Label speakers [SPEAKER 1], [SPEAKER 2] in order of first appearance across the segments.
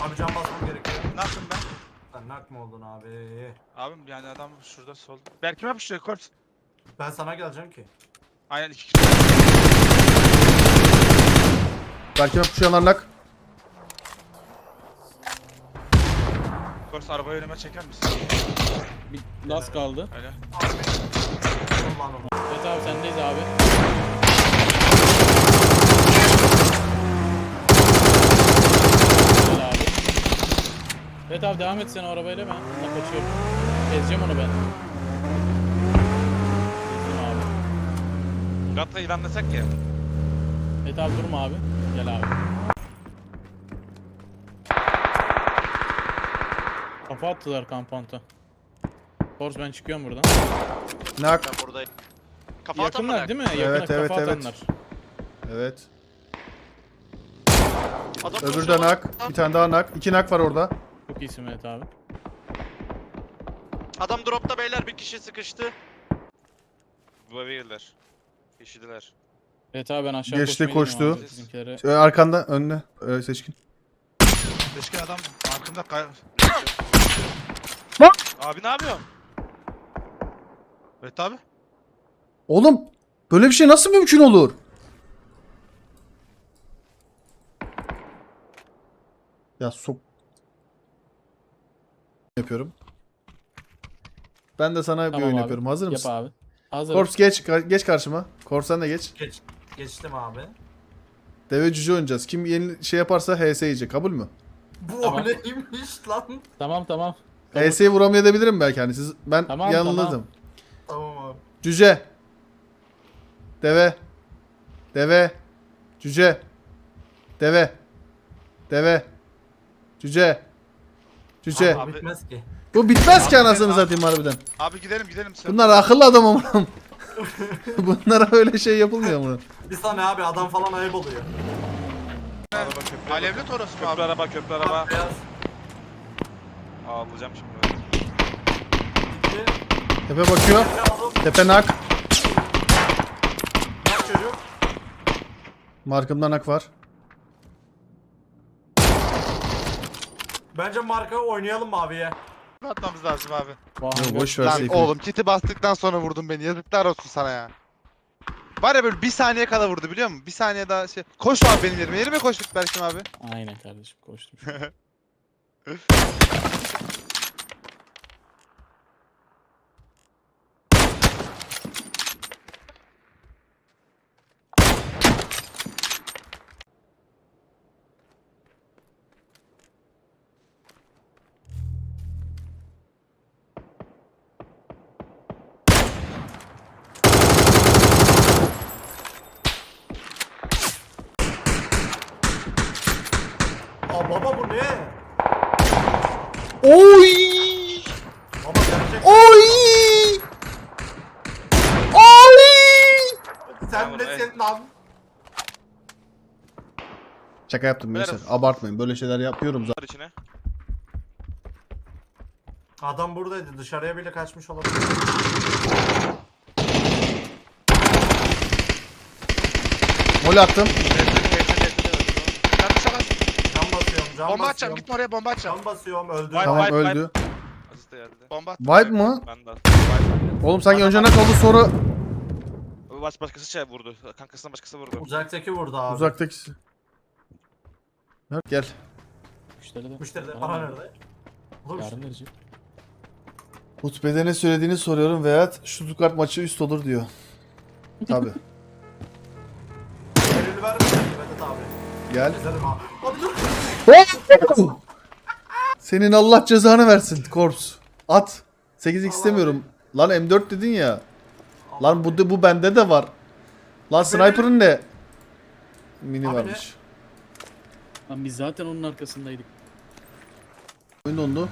[SPEAKER 1] Abi can basmam gerekiyor.
[SPEAKER 2] Ne yaptım ben?
[SPEAKER 1] Sen nak mı oldun abi?
[SPEAKER 2] Abim yani adam şurada sol. Berk'ime yapıştırıyor Korps.
[SPEAKER 1] Ben sana geleceğim ki.
[SPEAKER 2] Aynen 2 kişi.
[SPEAKER 3] Belki yapışanlar nak.
[SPEAKER 2] Korps arabayı önüme çeker misin?
[SPEAKER 4] Bir las kaldı.
[SPEAKER 2] Öyle.
[SPEAKER 1] Abi. Ulan ulan.
[SPEAKER 4] Evet abi sendeyiz abi. Güzel abi. Evet abi devam et sen o arabayla ben. Bununla kaçıyorum. Ezeceğim onu ben. Ezdim abi.
[SPEAKER 2] Gatla ilanlasak ya.
[SPEAKER 4] Evet abi durma abi. Gel abi. Kafa attılar kampanta. Force ben çıkıyorum buradan.
[SPEAKER 3] Nak.
[SPEAKER 5] Ben buradayım. Kafa atan mı
[SPEAKER 4] Yakınlar
[SPEAKER 5] lan?
[SPEAKER 4] değil mi? Yakına
[SPEAKER 3] Evet, evet,
[SPEAKER 4] kafa
[SPEAKER 3] evet.
[SPEAKER 4] atanlar.
[SPEAKER 3] Evet.
[SPEAKER 5] Adam
[SPEAKER 3] Öbürü de
[SPEAKER 5] koşuyor lan.
[SPEAKER 3] nak. Bir tane daha nak. 2 nak var orada.
[SPEAKER 4] Çok iyisin evet abi.
[SPEAKER 5] Adam dropta beyler, bir kişi sıkıştı.
[SPEAKER 2] Bu eve girdiler. Yeşildiler.
[SPEAKER 4] Evet abi ben aşağı
[SPEAKER 3] Geçti,
[SPEAKER 4] koşmaya gidiyorum
[SPEAKER 3] koştu.
[SPEAKER 4] abi bizimkilere.
[SPEAKER 3] Arkanda önüne. Seçkin.
[SPEAKER 2] Seçkin adam arkamda kay...
[SPEAKER 3] Lan!
[SPEAKER 2] Abi ne yapıyorsun? Evet abi.
[SPEAKER 3] Oğlum böyle bir şey nasıl mümkün olur? Ya sok. Yapıyorum. Ben de sana bir
[SPEAKER 4] Tamam
[SPEAKER 3] oyun
[SPEAKER 4] abi.
[SPEAKER 3] yapıyorum. Hazır
[SPEAKER 4] Yap
[SPEAKER 3] mısın?
[SPEAKER 4] abi. Hazır.
[SPEAKER 3] Korps geç karşıma. Korps sen de geç.
[SPEAKER 1] Geçtim abi.
[SPEAKER 3] Deve cüce oynayacağız. Kim yeni şey yaparsa HS yiyecek. Kabul mü?
[SPEAKER 1] Bu
[SPEAKER 4] Tamam.
[SPEAKER 1] neymiş lan?
[SPEAKER 4] Tamam tamam.
[SPEAKER 3] HS'yi vuramayabilirim belki hani siz ben
[SPEAKER 4] Tamam,
[SPEAKER 3] yanıldım.
[SPEAKER 1] Tamam abi.
[SPEAKER 3] Cüce. Deve. Deve. Cüce. Deve. Deve. Cüce. Cüce.
[SPEAKER 1] Abi bitmez ki.
[SPEAKER 3] Bu bitmez ki
[SPEAKER 2] Abi,
[SPEAKER 3] anasını
[SPEAKER 2] abi.
[SPEAKER 3] satayım harbiden.
[SPEAKER 2] Abi gidelim sen.
[SPEAKER 3] Bunlar akıllı adam ama. Bunlara öyle şey yapılmıyor mu?
[SPEAKER 1] Bir saniye abi adam falan ayıp oluyor.
[SPEAKER 2] Alevli Toros mu abi?
[SPEAKER 6] Köprü araba, köprü araba.
[SPEAKER 1] Beyaz.
[SPEAKER 6] Ağlayacağım şimdi.
[SPEAKER 1] İki.
[SPEAKER 3] Tepe bakıyor.
[SPEAKER 1] Lazım.
[SPEAKER 3] Tepe nak.
[SPEAKER 1] Bak çocuk.
[SPEAKER 3] Markımda nak var.
[SPEAKER 1] Bence marka oynayalım mı abiye?
[SPEAKER 2] Atmamız lazım abi.
[SPEAKER 3] Yo, boş ver
[SPEAKER 7] Lan
[SPEAKER 3] Seyfi.
[SPEAKER 7] oğlum kiti bastıktan sonra vurdun beni. Yazıklar olsun sana ya. Var ya böyle bir saniye kala vurdu biliyor musun? Bir saniye daha şey. Koş abi benim yerime. Yerime koştuk Berkim abi.
[SPEAKER 4] Aynen kardeşim koştum.
[SPEAKER 1] Aa baba bu ne?
[SPEAKER 3] Oy!
[SPEAKER 1] Baba gerçek.
[SPEAKER 3] Oy! Oy!
[SPEAKER 1] Sen nesin lan?
[SPEAKER 3] Şaka yaptım gençler. Abartmayın. Böyle şeyler yapıyorum zaten.
[SPEAKER 6] Var içine.
[SPEAKER 1] Adam buradaydı. Dışarıya bile kaçmış olabilir.
[SPEAKER 3] Gol attım.
[SPEAKER 2] Sen dışarı aç.
[SPEAKER 1] Can basıyorum. Can
[SPEAKER 2] Bomba atacağım.
[SPEAKER 1] basıyorum.
[SPEAKER 2] Gitme oraya bomba atacağım.
[SPEAKER 1] Can basıyorum. Öldü.
[SPEAKER 2] Vay,
[SPEAKER 3] Tamam
[SPEAKER 2] Vibe,
[SPEAKER 3] öldü.
[SPEAKER 6] Aziz de geldi.
[SPEAKER 2] Bomba at.
[SPEAKER 3] Vibe mı?
[SPEAKER 6] Ben de.
[SPEAKER 3] Oğlum sanki önce nak oldu sonra
[SPEAKER 6] Başkası şey vurdu. Kankasından başkası vurdu.
[SPEAKER 1] Uzaktaki vurdu abi.
[SPEAKER 3] uzaktakisi. Gel.
[SPEAKER 4] Müşteri de.
[SPEAKER 1] Müşteri de
[SPEAKER 4] Bana
[SPEAKER 1] para
[SPEAKER 4] ver.
[SPEAKER 1] nerede? Olur mu?
[SPEAKER 4] Yarın verecek.
[SPEAKER 3] Hutbede ne söylediğini soruyorum veya Stuttgart maçı üst olur diyor. Tabi.
[SPEAKER 1] Elini ver Vedat abi.
[SPEAKER 3] Gel.
[SPEAKER 1] Ezerim abi. Abi dur.
[SPEAKER 3] Senin Allah cezanı versin Korps. At. 8x istemiyorum. Lan M4 dedin ya. Lan bu bende de var. Lan sniper'ın ne? Mini
[SPEAKER 1] Abi
[SPEAKER 3] varmış.
[SPEAKER 4] Lan biz zaten onun arkasındaydık.
[SPEAKER 3] Oyun dondu.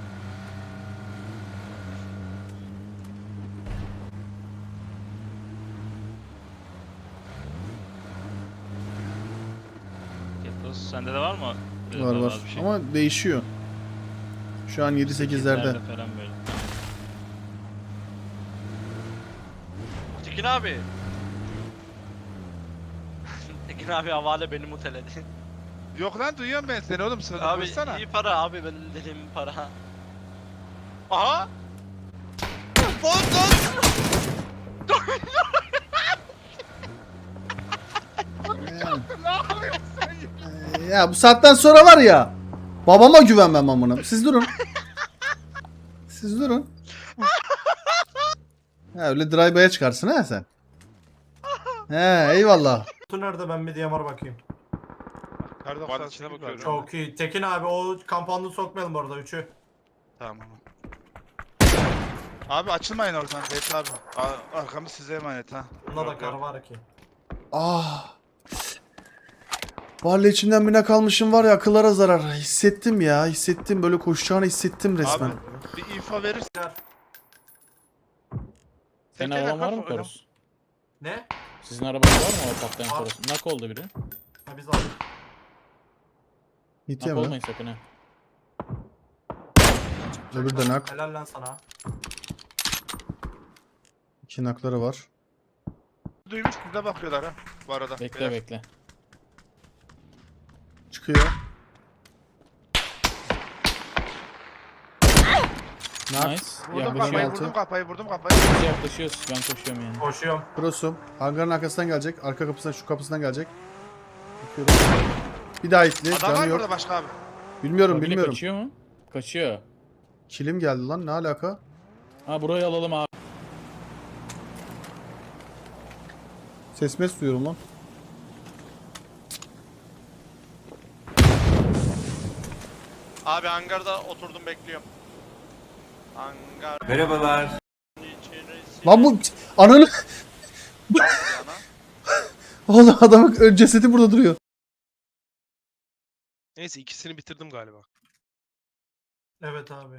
[SPEAKER 6] Ketos sende de var mı?
[SPEAKER 3] Var var.
[SPEAKER 6] Bir şey.
[SPEAKER 3] Ama değişiyor. Şu an 7-8'lerde.
[SPEAKER 6] Falan böyle.
[SPEAKER 5] Tekin abi. Tekin abi havale beni muteledi.
[SPEAKER 7] Yok lan duyuyorum ben seni oğlum. Sözü
[SPEAKER 5] Abi
[SPEAKER 7] konuşsana.
[SPEAKER 5] iyi para abi benim dediğim para. Aha.
[SPEAKER 3] Ya bu saatten sonra var ya. Babama güvenmem amına. Siz durun. Siz durun. Ha, öyle drive'a çıkarsın ha sen. He eyvallah.
[SPEAKER 1] Kutu nerede, ben bir DMR bakayım.
[SPEAKER 7] Kar
[SPEAKER 6] Vardı,
[SPEAKER 7] 98
[SPEAKER 6] içine
[SPEAKER 7] var.
[SPEAKER 6] bakıyorum.
[SPEAKER 1] Çok iyi. Tekin abi o kampanını sokmayalım orada 3'ü.
[SPEAKER 7] Tamam. Abi açılmayın oradan Beyt abi. Arkamız size emanet ha.
[SPEAKER 1] Bunda da kar var ki.
[SPEAKER 3] Ah. Vallahi içimden bine kalmışım var ya, akıllara zarar. Hissettim ya, hissettim, böyle koşacağını hissettim resmen.
[SPEAKER 7] Abi bir info verirsin.
[SPEAKER 1] Kar.
[SPEAKER 4] Senin
[SPEAKER 7] Tekneyle
[SPEAKER 4] araban var mı
[SPEAKER 7] kafa-
[SPEAKER 4] Korus?
[SPEAKER 1] Ne?
[SPEAKER 4] Sizin arabanız var mı o patlayan
[SPEAKER 1] Var.
[SPEAKER 4] Korus? Nak oldu biri.
[SPEAKER 1] Ha biz aldık.
[SPEAKER 3] Hit
[SPEAKER 4] Nak
[SPEAKER 3] yeme.
[SPEAKER 4] olmayın sakın ha.
[SPEAKER 3] Öbür de nak.
[SPEAKER 1] Helal lan sana.
[SPEAKER 3] 2 nakları var.
[SPEAKER 7] Duymuş bize bakıyorlar ha. Bu arada.
[SPEAKER 4] Bekle
[SPEAKER 7] Beyler.
[SPEAKER 4] bekle.
[SPEAKER 3] Çıkıyor. Nak.
[SPEAKER 4] Nice.
[SPEAKER 7] Vurdum
[SPEAKER 3] Yaklaşık
[SPEAKER 7] kafayı,
[SPEAKER 3] altı.
[SPEAKER 7] vurdum kafayı, vurdum kafayı.
[SPEAKER 4] Biz yaklaşıyoruz. Ben koşuyorum yani.
[SPEAKER 1] Koşuyorum.
[SPEAKER 3] Prosum. Hangarın arkasından gelecek. Arka kapısından, şu kapısından gelecek. Bakıyorum. Bir daha hitli.
[SPEAKER 7] Adam var
[SPEAKER 3] Canı
[SPEAKER 7] mı
[SPEAKER 3] yok.
[SPEAKER 7] burada başka abi?
[SPEAKER 3] Bilmiyorum,
[SPEAKER 4] Mobile
[SPEAKER 3] bilmiyorum.
[SPEAKER 4] kaçıyor mu? Kaçıyor.
[SPEAKER 3] Kilim geldi lan, ne alaka?
[SPEAKER 4] Ha burayı alalım abi.
[SPEAKER 3] Ses mes duyuyorum lan.
[SPEAKER 5] Abi hangarda oturdum bekliyorum. Hangar.
[SPEAKER 1] Merhabalar.
[SPEAKER 5] içerisi-
[SPEAKER 3] Lan bu ananı... Oğlum adamın cesedi burada duruyor.
[SPEAKER 6] Neyse ikisini bitirdim galiba.
[SPEAKER 1] Evet abi.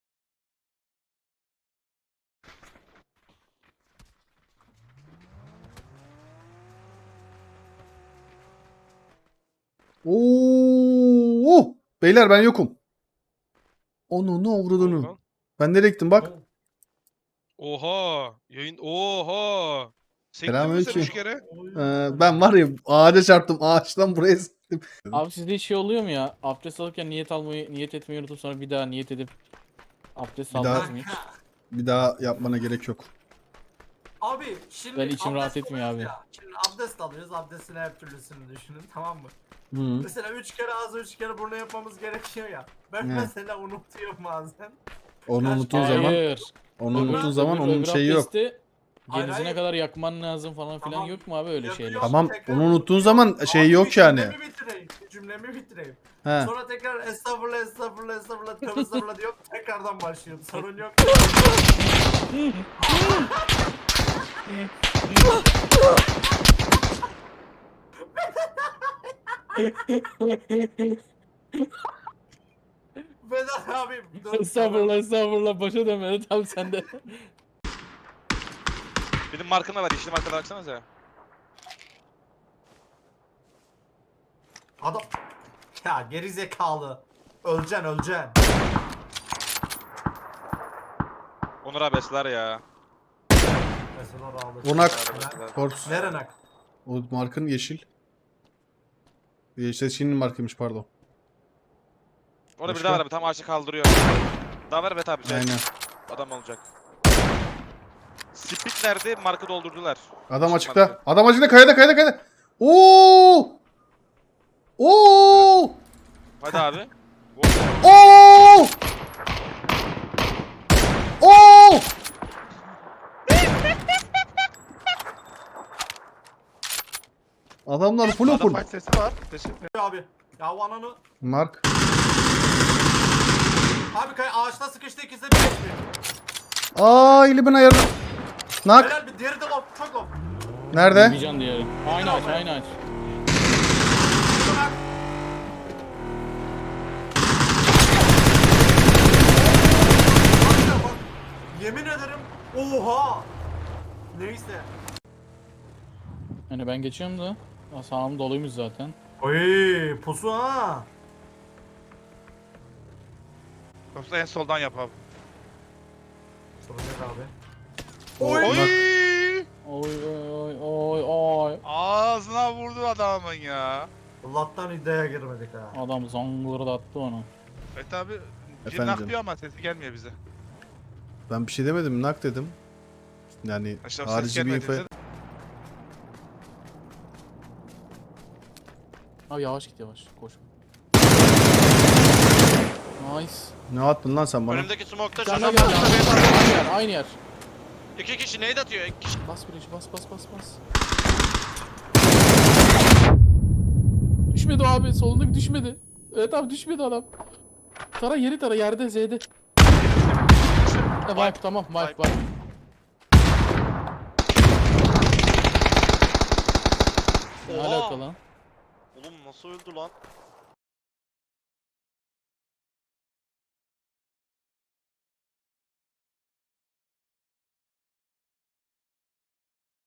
[SPEAKER 3] Oo! Beyler ben yokum. Onu ne avradını.
[SPEAKER 6] Lan.
[SPEAKER 3] Ben nereye gittim bak.
[SPEAKER 6] Oha! Yayın oha! Sen
[SPEAKER 3] Selamünaleyküm.
[SPEAKER 6] gittin mi sen 3 kere?
[SPEAKER 3] Ben var ya ağaca çarptım. Ağaçtan buraya sıktım.
[SPEAKER 4] Abi sizde şey oluyor mu ya? Abdest alırken niyet etmeyi unutup sonra bir daha niyet edip abdest
[SPEAKER 3] Bir daha-
[SPEAKER 4] almaz mı hiç?
[SPEAKER 3] Bir daha yapmana gerek yok.
[SPEAKER 1] Abi şimdi
[SPEAKER 4] Ben içim rahat
[SPEAKER 1] abdest
[SPEAKER 4] etmiyor
[SPEAKER 1] alıyoruz
[SPEAKER 4] abi.
[SPEAKER 1] ya. Şimdi abdest alıyoruz. Abdestin her türlüsünü düşünün, tamam mı?
[SPEAKER 3] Hı.
[SPEAKER 1] Mesela 3 kere ağzı 3 kere burnu yapmamız gerekiyor ya. Ben
[SPEAKER 3] Evet.
[SPEAKER 1] mesela unutuyorum bazen.
[SPEAKER 3] Onu
[SPEAKER 1] Kaç-
[SPEAKER 3] unuttuğun zaman,
[SPEAKER 4] Hayır.
[SPEAKER 3] onu
[SPEAKER 1] Öbür-
[SPEAKER 3] unuttuğun zaman
[SPEAKER 4] Öbür
[SPEAKER 3] onun şeyi yok.
[SPEAKER 4] abdesti
[SPEAKER 1] Hayır,
[SPEAKER 4] Genizine
[SPEAKER 1] hayır.
[SPEAKER 4] kadar yakman lazım falan filan
[SPEAKER 1] Tamam.
[SPEAKER 4] yok mu abi öyle
[SPEAKER 1] Yapıyor.
[SPEAKER 4] şeyler?
[SPEAKER 3] Tamam,
[SPEAKER 1] Tekrar
[SPEAKER 3] onu unuttuğun
[SPEAKER 1] unutuyorum.
[SPEAKER 3] zaman şey
[SPEAKER 1] Abi
[SPEAKER 3] yok
[SPEAKER 1] bir
[SPEAKER 3] yani.
[SPEAKER 1] Cümlemi bitireyim. Cümlemi bitireyim.
[SPEAKER 3] He.
[SPEAKER 1] Sonra tekrar estağfurullah estağfurullah estağfurullah tövbe estağfurullah diyor. Tekrardan başlıyorum. Sorun yok. Vedat abim. dur.
[SPEAKER 4] Estağfurullah estağfurullah başa dönmedi tam sende.
[SPEAKER 6] Benim markımda var. Yeşil markada baksanıza.
[SPEAKER 1] Adam. Ya geri zekalı. Öleceksin öleceksin.
[SPEAKER 6] Onur abi esler ya.
[SPEAKER 1] Mesela ağlı.
[SPEAKER 3] Onak.
[SPEAKER 6] Esler.
[SPEAKER 3] Korps.
[SPEAKER 1] Nerenak?
[SPEAKER 3] O markın yeşil. Yeşil'in markıymış pardon.
[SPEAKER 6] Orada bir
[SPEAKER 3] Başka?
[SPEAKER 6] daha var abi. Tam ağaçı kaldırıyor. Daha var evet abi. Güzel.
[SPEAKER 3] Aynen.
[SPEAKER 6] Adam olacak. Speed nerede? Markı doldurdular.
[SPEAKER 3] Adam
[SPEAKER 6] Yeşil
[SPEAKER 3] açıkta.
[SPEAKER 6] markı.
[SPEAKER 3] Adam açıkta, kayada. Oo! Oo!
[SPEAKER 6] Hadi abi.
[SPEAKER 3] Oo! Oo! Adamlar full
[SPEAKER 7] Adam
[SPEAKER 3] open.
[SPEAKER 7] fight sesi var. Teşekkür
[SPEAKER 1] Abi. Ya o ananı.
[SPEAKER 3] Mark.
[SPEAKER 1] Abi ağaçta sıkıştı, ikisi de bir geçmiyor.
[SPEAKER 3] Aa, elimin ayarı. Nak.
[SPEAKER 1] Helal bir diğeri de lop. Çok lop.
[SPEAKER 3] Nerede?
[SPEAKER 4] Bir can diğeri. Aynı aç aynı aç.
[SPEAKER 1] Bak. Bak, bak. Yemin ederim. Oha. Neyse.
[SPEAKER 4] Hani ben geçiyorum da. Aa, sağım doluymuş zaten.
[SPEAKER 1] Oy pusu ha.
[SPEAKER 7] Yoksa en soldan yap abi.
[SPEAKER 1] Soracak abi.
[SPEAKER 7] Oy!
[SPEAKER 4] Oy oy oy oy oy.
[SPEAKER 7] Ağzına vurdu adamın ya.
[SPEAKER 1] Allah'tan iddiaya girmedik ha.
[SPEAKER 4] Adam zangları da attı onu.
[SPEAKER 2] Evet abi. Bir
[SPEAKER 3] Efendim?
[SPEAKER 2] nak diyor ama sesi gelmiyor bize.
[SPEAKER 3] Ben bir şey demedim, nak dedim. Yani
[SPEAKER 2] İşte o ses
[SPEAKER 3] harici bir
[SPEAKER 2] gelmedi
[SPEAKER 3] info.
[SPEAKER 2] bize de.
[SPEAKER 4] Abi yavaş git yavaş. Koş. Nice.
[SPEAKER 3] Ne attın lan sen bana?
[SPEAKER 5] Önümdeki smoke'ta
[SPEAKER 4] Sen de
[SPEAKER 5] çocuk.
[SPEAKER 4] gel ya. Aynı yer. Aynı yer.
[SPEAKER 5] 2 kişi nade atıyor. 2 kişi.
[SPEAKER 4] Bas bir bas. Düşmedi o abi. Solundaki düşmedi. Evet abi düşmedi adam. Tara yeri tara yerde Z'de. Wipe tamam wipe. Ne
[SPEAKER 5] Oha!
[SPEAKER 4] alaka lan?
[SPEAKER 5] Oğlum nasıl öldü lan?